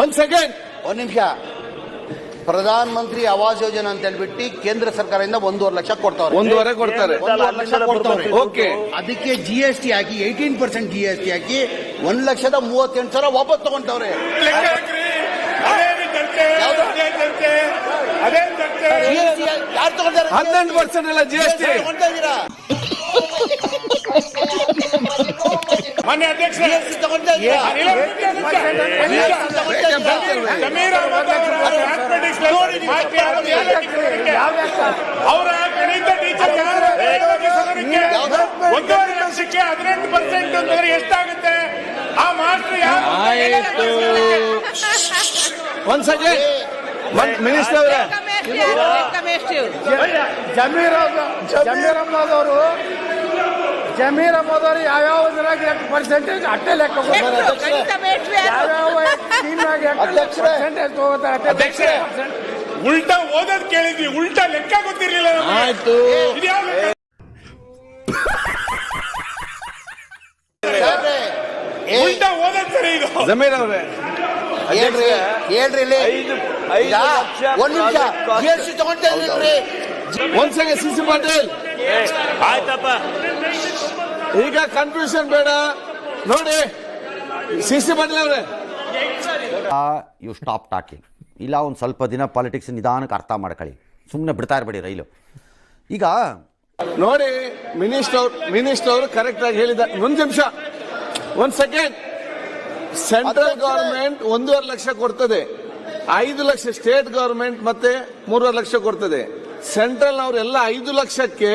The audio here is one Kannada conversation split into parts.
1 ಸೆಕೆಂಡ್. ಒಂದು ನಿಮಿಷ. ಪ್ರಧಾನ ಮಂತ್ರಿ ಆವಾಸ್ ಯೋಜನೆ ಅಂತ ಹೇಳ್ಬಿಟ್ಟು ಕೇಂದ್ರ ಸರ್ಕಾರದಿಂದ 1.5 ಲಕ್ಷ ಕೊಡ್ತಾವ್ರೆ. 1.5 ಕೊಡ್ತಾರೆ. 1.5 ಲಕ್ಷ ಕೊಡ್ತಾವ್ರೆ. ಓಕೆ. ಅದಕ್ಕೆ GST ಹಾಕಿ 18% GST ಹಾಕಿ 1,38,000 ವಾಪಸ್ ತಗೊಂತವ್ರೆ. ಯಾರು ತಗೊಂತಾರೆ? 18% ಅಲ್ಲ GST ತಗೊಂತಾ ಇದ್ದೀರಾ? ಮಾನ್ಯ ಅಧ್ಯಕ್ಷ ತಗೊಂತಾ ಇದ್ದೀರಾ? ಅವರ ಗಣಿತ ಟೀಚರ್ 1.5 ಲಕ್ಷಕ್ಕೆ 18% ಅಂತಂದ್ರೆ ಎಷ್ಟಾಗುತ್ತೆ? ಆ ಮಾಸ್ಟರ್ ಯಾರು? ಆಯ್ತು. 1 ಸೆಕೆಂಡ್. ಮಿನಿಸ್ಟರ್ ಅವರೇ, ಜಮೀರ್ ಅಹಮದ್ ಅವರು ಯಾವ್ಯಾವ ಪರ್ಸೆಂಟೇಜ್ ಅಟ್ಟೆ ಲೆಕ್ಕ ಅಧ್ಯಕ್ಷರೇ, ಉಲ್ಟಾ ಓದೋದ್ ಕೇಳಿದ್ವಿ, ಉಲ್ಟಾ ಲೆಕ್ಕ ಗೊತ್ತಿರ್ಲಿಲ್ಲ ನಮ್ಗೆ. ಆಯ್ತು. ಇದ್ಯಾವ ಲೆಕ್ಕ? ಉಲ್ಟಾ ಓದೋದ್ ಸರಿ ಇದು. ಜಮೀರ್ ಅವರೇ, ಹೇಳ್ರಿ ಇಲ್ಲಿ. ಒಂದು ನಿಮಿಷ. GST ತಗೊಂತಾ ಇದ್ರಿ. 1 ಸೆಕೆಂಡ್. CC ಪಾಟೀಲ್, ಆಯ್ತಪ್ಪ. ಈಗ ಕನ್ಫ್ಯೂಷನ್ ಬೇಡ ನೋಡಿ. CC ಪಾಟೀಲ್ ಅವರೇ, ಯು ಸ್ಟಾಪ್ ಟಾಕಿಂಗ್. ಇಲ್ಲ ಒಂದು ಸ್ವಲ್ಪ ದಿನ ಪಾಲಿಟಿಕ್ಸ್ ನಿಧಾನಕ್ಕೆ ಅರ್ಥ ಮಾಡ್ಕೊಳ್ಳಿ, ಸುಮ್ಮನೆ ಬಿಡ್ತಾ ಇರಬೇಡಿ ರೈಲು. ಈಗ ನೋಡಿ ಮಿನಿಸ್ಟರ್ ಅವರು ಕರೆಕ್ಟ್ ಆಗಿ ಹೇಳಿದ. 1 ನಿಮಿಷ. 1 ಸೆಕೆಂಡ್. ಸೆಂಟ್ರಲ್ ಗವರ್ಮೆಂಟ್ 1.5 ಲಕ್ಷ ಕೊಡ್ತದೆ, 5 ಲಕ್ಷ ಸ್ಟೇಟ್ ಗವರ್ಮೆಂಟ್ ಮತ್ತೆ 3.5 ಲಕ್ಷ ಕೊಡ್ತದೆ. ಸೆಂಟ್ರಲ್ ಅವರೆಲ್ಲ 5 ಲಕ್ಷಕ್ಕೆ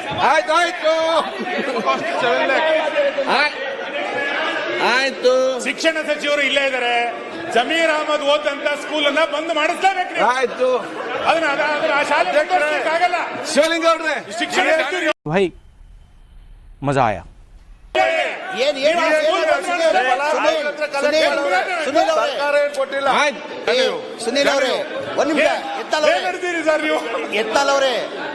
ಆಯ್ತು. ಶಿಕ್ಷಣ ಸಚಿವರು ಇಲ್ಲೇ ಇದ್ದಾರೆ. ಜಮೀರ್ ಅಹಮದ್ ಓದಂತ ಸ್ಕೂಲ್ ಅನ್ನ ಬಂದ್ ಮಾಡಿಸ್ಲೇಬೇಕು. ಆಯ್ತು. ಅದನ್ನ ಆ ಶಾಲೆ ಆಗಲ್ಲ. ಶಿವಲಿಂಗ ಅವ್ರೆ, ಶಿಕ್ಷಣ ಸಚಿವರು भाई मजा आया. ಸುನೀಲ್ ಅವರೇ, ಒಂದು ನಿಮಿಷ. ನಡೆದಿರಿ ಸರ್ ನೀವು. ಎತ್ತಲವ್ರೆ,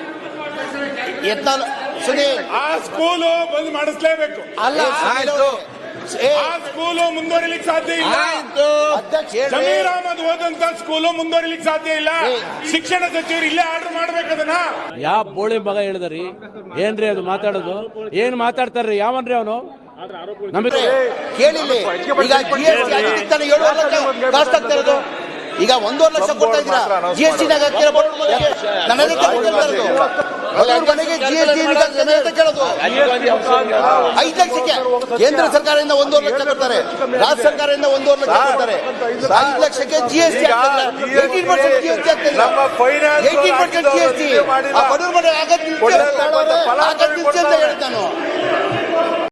ಸುನೀಲ್, ಆ ಸ್ಕೂಲು ಬಂದ್ ಮಾಡಿಸ್ಲೇಬೇಕು. ಅಲ್ಲ, ಆಯ್ತು. ಆ ಸ್ಕೂಲು ಮುಂದುವರಿಲಿಕ್ಕೆ ಸಾಧ್ಯ ಇಲ್ಲ. ಆಯ್ತು. ಜಮೀರ್ ಅಹಮದ್ ಓದಂತ ಸ್ಕೂಲು ಮುಂದುವರಿಲಿಕ್ಕೆ ಸಾಧ್ಯ ಇಲ್ಲ. ಶಿಕ್ಷಣ ಸಚಿವರು ಇಲ್ಲೇ ಆರ್ಡರ್ ಮಾಡ್ಬೇಕು ಅದನ್ನ. ಯಾವ ಬೋಳಿ ಮಗ ಹೇಳಿದ್ರಿ ಏನ್ರಿ ಅದು ಮಾತಾಡೋದು? ಏನ್ ಮಾತಾಡ್ತಾರ್ರಿ? ಯಾವನ್ರಿ ಅವನು? ನಮಗೆ ಕೇಳಿಲ್ಲ. ಈಗ GST ಆಗಿದ್ದಕ್ಕೆ ತಾನೇ 7 ಲಕ್ಷ ಕಾಸ್ಟ್ ಆಗ್ತಾ ಇರೋದು. ಈಗ 1.5 ಲಕ್ಷ ಕೊಡ್ತಾ ಇದ್ದೀರಾ. GST ನಾಗ ನನಗೆ ಮನೆಗೆ GST ಕೇಳೋದು 5 ಲಕ್ಷಕ್ಕೆ. ಕೇಂದ್ರ ಸರ್ಕಾರದಿಂದ 1.5 ಲಕ್ಷ ಕೊಡ್ತಾರೆ, ರಾಜ್ಯ ಸರ್ಕಾರದಿಂದ 1.5 ಲಕ್ಷ ಕೊಡ್ತಾರೆ. 5 ಲಕ್ಷಕ್ಕೆ GST 18% GST ಆಗ್ತದೆ. 18% GST ಬಡವ್ರ ಮನೆ ಆಗದ್ ನಿಲ್ಸಿ ಅಂತ ಹೇಳಿದ್ ನಾನು.